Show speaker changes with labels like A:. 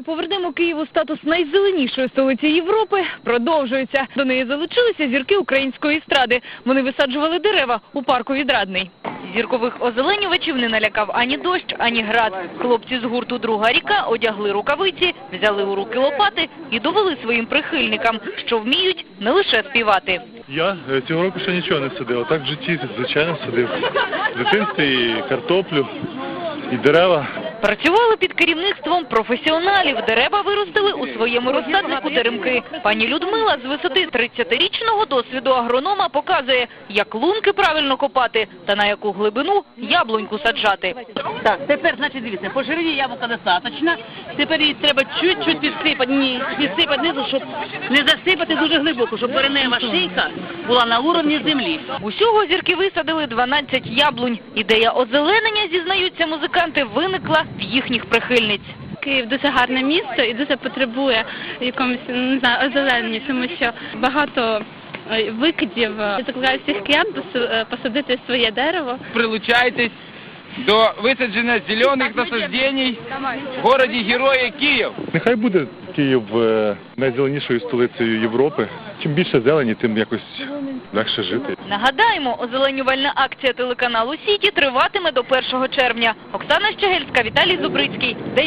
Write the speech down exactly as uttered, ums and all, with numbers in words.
A: акцію «Повернемо Києву статус найзеленішої столиці Європи» продовжується. До неї залучилися зірки української естради. Вони висаджували дерева у парку Відрадний. Зіркових озеленювачів не налякав ані дощ, ані град. Хлопці з гурту «Друга ріка» одягли рукавиці, взяли у руки лопати і довели своїм прихильникам, що вміють не лише співати.
B: Я цього року ще нічого не садив, а так в житті, звичайно, садив. В дитинстві і картоплю, і дерева.
A: Працювали під керівництвом професіоналів. Дерева виростили у своєму розсаднику теремки. Пані Людмила з висоти тридцятирічного досвіду агронома показує, як лунки правильно копати та на яку глибину яблуньку саджати.
C: Так, тепер, значить, дивіться, по ширині яблука достатньо. Тепер її треба чуть-чуть підсипати, ні, підсипати низу, щоб не засипати дуже глибоко, щоб коренева шийка була на уровні землі.
A: Усього зірки висадили дванадцять яблунь. Ідея озеленення, зізнаються музиканти, виникла в їхніх прихильниць.
D: Київ дуже гарне місто і дуже потребує якомусь, не знаю, озеленення, тому що багато викидів. Я закликаю всіх киян посадити своє дерево.
E: Прилучайтесь до висадження зелених насаджень в місті Героя Київ.
B: Нехай буде Київ е, найзеленішою столицею Європи. Чим більше зелені, тим якось легше жити.
A: Нагадаємо, озеленювальна акція телеканалу «Сіті» триватиме до першого червня. Оксана Щегельська, Віталій Зубрицький.